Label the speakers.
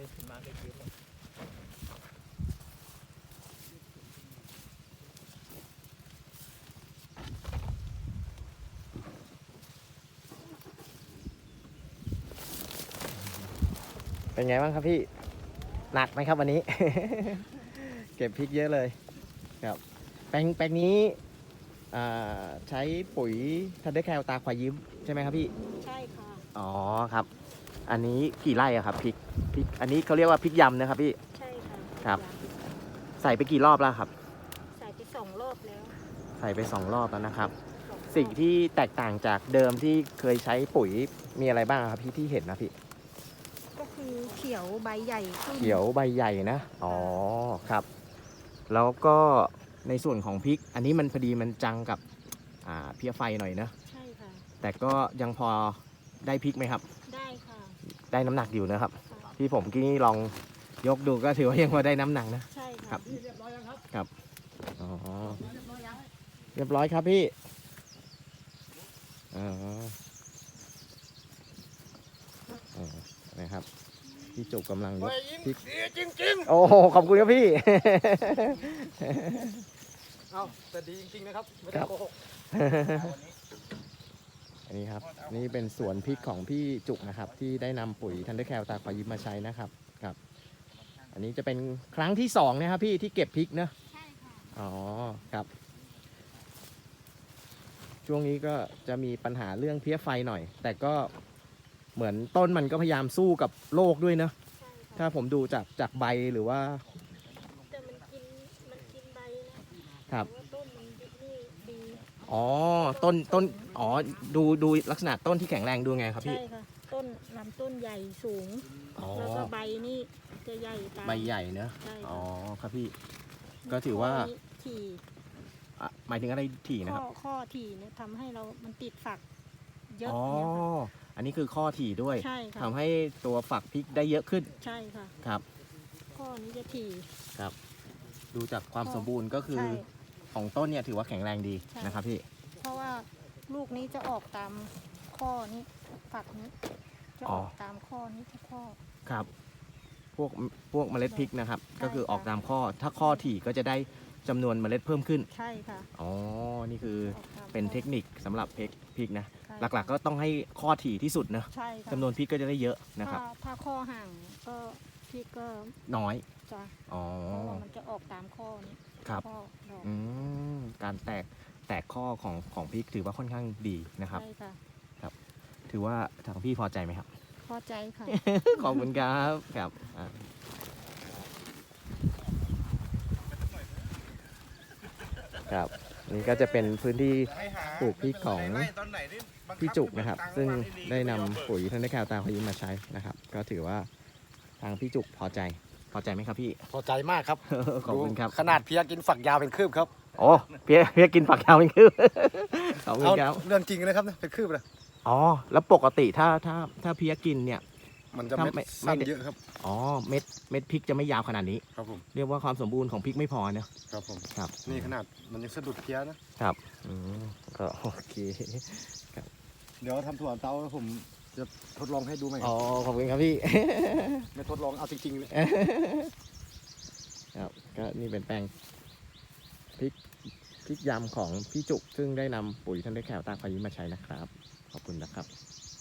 Speaker 1: ขึ้นมาได้เยอะเลย
Speaker 2: เป็นไงบ้างครับพี่หนักไหมครับวันนี้ เก็บพริกเยอะเลยครับแปลงนี้ใช้ปุ๋ยทันเดอร์แคลตาควายยิ้มใช่ไหมครับพี่
Speaker 3: ใช่ค่ะ
Speaker 2: อ๋อครับอันนี้กี่ไร่อะครับพริกอันนี้เขาเรียกว่าพริกยำนะครับพี่
Speaker 3: ใช่ค่ะ
Speaker 2: ครับใส่ไปกี่รอบแล้วครับ
Speaker 3: ใส่ไป2 รอบแล้ว
Speaker 2: ใส่ไป2 รอบแล้วนะครับ
Speaker 3: 2 รอบ
Speaker 2: สิ่งที่แตกต่างจากเดิมที่เคยใช้ปุ๋ยมีอะไรบ้างครับพี่ที่เห็นนะพี่
Speaker 3: ก็คือเขียวใบใหญ่ขึ้น
Speaker 2: เขียวใบใหญ่นะอ๋อครับแล้วก็ในส่วนของพริกอันนี้มันพอดีมันจังกับเพี้ยไฟหน่อยนะ
Speaker 3: ใช่ค่ะ
Speaker 2: แต่ก็ยังพอได้พริกไหมครับ
Speaker 3: ได้ค่ะ
Speaker 2: ได้น้ำหนักอยู่นะครับ
Speaker 3: ค่ะ
Speaker 2: ที่ผมกี้ลองยกดูก็ถือว่ายังพอได้น้ำหนักนะ
Speaker 3: ใช่ค่ะ
Speaker 2: ครับครับอ๋อเรียบร้อยครับพี่อ๋อนะครับพี่จุกกำลังยกพริก
Speaker 1: จริง
Speaker 2: โอ้ขอบคุณครับพี่
Speaker 1: เอาแต่ดีจริงๆนะครับไม่ได้โกหก
Speaker 2: อันนี้ครับนี่เป็นสวนพริกของพี่จุกนะครับที่ได้นำปุ๋ยทันเดอร์แคลตาควายยิ้มมาใช้นะครับครับอันนี้จะเป็นครั้งที่2นะครับพี่ที่เก็บพริกนะ
Speaker 3: ใช่ค่ะ
Speaker 2: อ๋อครับช่วงนี้ก็จะมีปัญหาเรื่องเพี้ยไฟหน่อยแต่ก็เหมือนต้นมันก็พยายามสู้กับโรคด้วยนะ
Speaker 3: ใช่ค่ะ
Speaker 2: ถ้าผมดูจากใบหรือว่า
Speaker 3: แต่มันกินใบนะครับแต่ว่าต้นมันนี่ดี
Speaker 2: อ๋อต้นอ๋อดูลักษณะต้นที่แข็งแรงดูไงครับพี่
Speaker 3: ใช่ค่ะต้นลำต้นใหญ่สูง
Speaker 2: อ๋อ
Speaker 3: แล้วก็ใบนี่จะใหญ่ตาม
Speaker 2: ใบใหญ่เนอะ
Speaker 3: ใช่ค่ะ
Speaker 2: อ๋อครับพี่ก็ถือว่า
Speaker 3: ข้นี้ถี่
Speaker 2: หมายถึงอะไรถี่นะครับ
Speaker 3: ข้อถี่เนี่ยทำให้มันติดฝักเยอะ
Speaker 2: อ๋อ
Speaker 3: เนี่ยค่ะ
Speaker 2: อันนี้คือข้อถี่ด้วย
Speaker 3: ใช่ค่ะ
Speaker 2: ทำให้ตัวฝักพริกได้เยอะขึ้น
Speaker 3: ใช่ค่ะ
Speaker 2: ครับ
Speaker 3: ข้อนี้จะถี่
Speaker 2: ครับดูจากความสมบูรณ์ก็คือ
Speaker 3: ใช่
Speaker 2: ของต้นเนี่ยถือว่าแข็งแรงดีนะครับพี่
Speaker 3: เพราะว่าลูกนี้จะออกตามข้อนี้ฝักนี้จะออกตามข้อนี้ทุกข้อ
Speaker 2: ครับพวกเมล็ดพริกนะครับ
Speaker 3: ใช่
Speaker 2: ก็คือออก
Speaker 3: ค่ะ
Speaker 2: ตามข้อถ้าข้อถี่ก็จะได้จำนวนเมล็ดเพิ่มขึ้น
Speaker 3: ใช่ค่ะ
Speaker 2: อ๋อนี่คือ
Speaker 3: ออกตาม
Speaker 2: เป็นเทคนิคสำหรับพริกนะ
Speaker 3: ใช่
Speaker 2: หลักๆก็ต้องให้ข้อถี่ที่สุดนะ
Speaker 3: ใช่ค่ะ
Speaker 2: จำนวนพริกก็จะได้เยอะนะครับ
Speaker 3: ถ้าข้อห่างก็พี่ก็
Speaker 2: น้อย
Speaker 3: จะ
Speaker 2: อ๋อ
Speaker 3: เพราะว่ามันจะออกตามข้อนี้
Speaker 2: ครับ
Speaker 3: ข้อดอก
Speaker 2: การแตกข้อของพริกถือว่าค่อนข้างดีนะครับ
Speaker 3: ใช่ค่ะ
Speaker 2: ถือว่าทางพี่พอใจไหมครับ
Speaker 3: พอใจค่ะ
Speaker 2: ขอบคุณครับครับครับนี่ก็จะเป็นพื้นที่ปลูกพริกของพี่จุกนะครับซึ่งได้นำปุ๋ยทันเดอร์แคลตาควายยิ้มมาใช้นะครับก็ถือว่าทางพี่จุกพอใจไหมครับพี่
Speaker 1: พอใจมากครับ
Speaker 2: ขอบคุณครับ
Speaker 1: ขนาดเพียกินฝักยาวเป็นคืบครับ
Speaker 2: โอ้เพียกินฝักยาวเป็นคืบขอบคุณครับ
Speaker 1: เรื่องจริงนะครับเป็นคืบเลย
Speaker 2: อ๋อแล้วปกติถ้าเพียกินเนี่ย
Speaker 1: มันจะไม่สั้นเยอะครับ
Speaker 2: อ๋อเม็ดพริกจะไม่ยาวขนาดนี้
Speaker 1: ครับผม
Speaker 2: เรียกว่าความสมบูรณ์ของพริกไม่พอนะครับ
Speaker 1: ผม
Speaker 2: ครับ
Speaker 1: นี่ขนาดมันยังสะดุดเพี้ยนะครับ
Speaker 2: ก็โอเค
Speaker 1: เดี๋ยวทำถั่วเตาผมจะทดลองให้ดูไหม
Speaker 2: อ๋อขอบคุณครับพี่
Speaker 1: ไม่ทดลองเอาจริงๆเลย
Speaker 2: ครับก็นี่เป็นแปลงพริกยำของพี่จุกซึ่งได้นำปุ๋ยทันเดอร์แคลตาควายยิ้มมาใช้นะครับขอบคุณนะครับ